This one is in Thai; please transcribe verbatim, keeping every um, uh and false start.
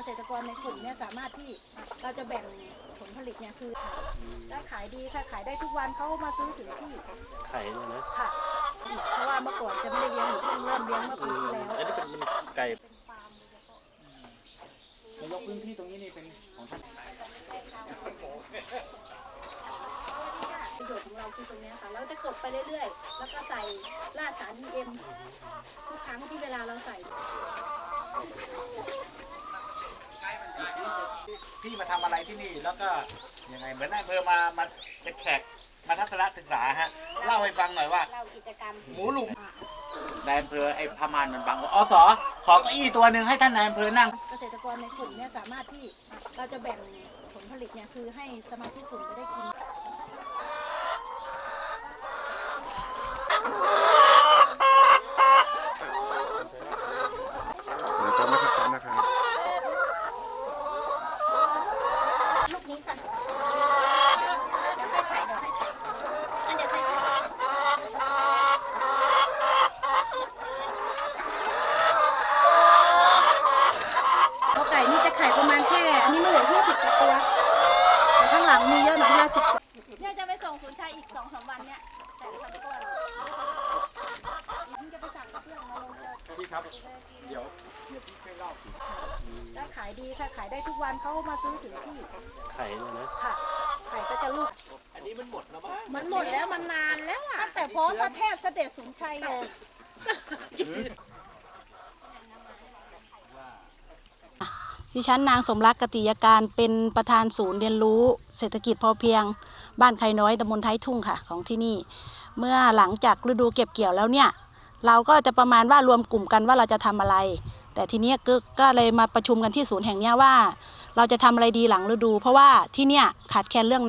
ษตรกรในกลุ่มเนี่ยสามารถที่เราจะแบ่งผลผลิตเนี่ยคือได้ขายดีค่ะขายได้ทุกวันเขามาซื้อถึงที่ขายเลยนะค่ะเพราะว่าเมื่อก่อนจะไม่ได้เลี้ยงหนูเพิ่งเริ่มเลี้ยงเมื่อปีที่แล้วอันนี้เป็นไก่เป็นฟาร์มโดยเฉพาะนายกพื้นที่ตรงนี้นี่เป็นของท่านประโยชน์ของเราคือตรงนี้ค่ะเราจะกดไปเรื่อยๆแล้วก็ใส่รากสาร อี เอ็ม ทุกครั้งที่เวลาเราใส่พี่มาทำอะไรที่นี่แล้วก็ยังไงเหมือนนายอำเภอมามาเป็นแขกมาทัศนศึกษาฮะเล่าให้ฟังหน่อยว่าเล่ากิจกรรมหมูลุมนายอำเภอไอ้พม่านมันบังอสขอเก้าอี้ตัวหนึ่งให้ท่านนายอำเภอนั่งเกษตรกรในกลุ่มเนี่ยสามารถที่เราจะแบ่งผลผลิตเนี่ยคือให้สมาชิกกลุ่มจะได้กินนะครับนะครับนะครับลูกนี้ก่อนเดี๋ยวให้ไข่เดี๋ยวให้ไข่อันเดี๋ยวให้ไข่พอไก่นี่จะไข่ประมาณแค่อันนี้ไม่เหลือยี่สิบกว่าตัวแต่ข้างหลังมีเยอะหน่อยห้าสิบเนี่ยจะไปส่งศูนย์ชัยอีกสองสามวันเนี่ยแต่ทำก้อนจะไปสั่งเพื่อนมาลงเจอพี่ครับเดี๋ยวเดี๋ยวพี่ช่วยเล่าได้ขายดีค่ะขายได้ทุกวันเขามาซื้อถึงที่ขายเลยนะค่ะไข่ก็จะลูกอันนี้มันหมดแล้วมั้งมันหมดแล้วมันนานแล้วอ่ะตั้งแต่พระพระเทพเสด็จสุนชัยเลยดิฉันนางสมรักกติยาการเป็นประธานศูนย์เรียนรู้เศรษฐกิจพอเพียงบ้านไคน้อยตำบลท้ายทุ่งค่ะของที่นี่เมื่อหลังจากฤดูเก็บเกี่ยวแล้วเนี่ยเราก็จะประมาณว่ารวมกลุ่มกันว่าเราจะทำอะไรแต่ทีนี้ก็เลยมาประชุมกันที่ศูนย์แห่งนี้ว่าเราจะทำอะไรดีหลังฤดูเพราะว่าที่เนี่ยขาดแคลนเรื่อง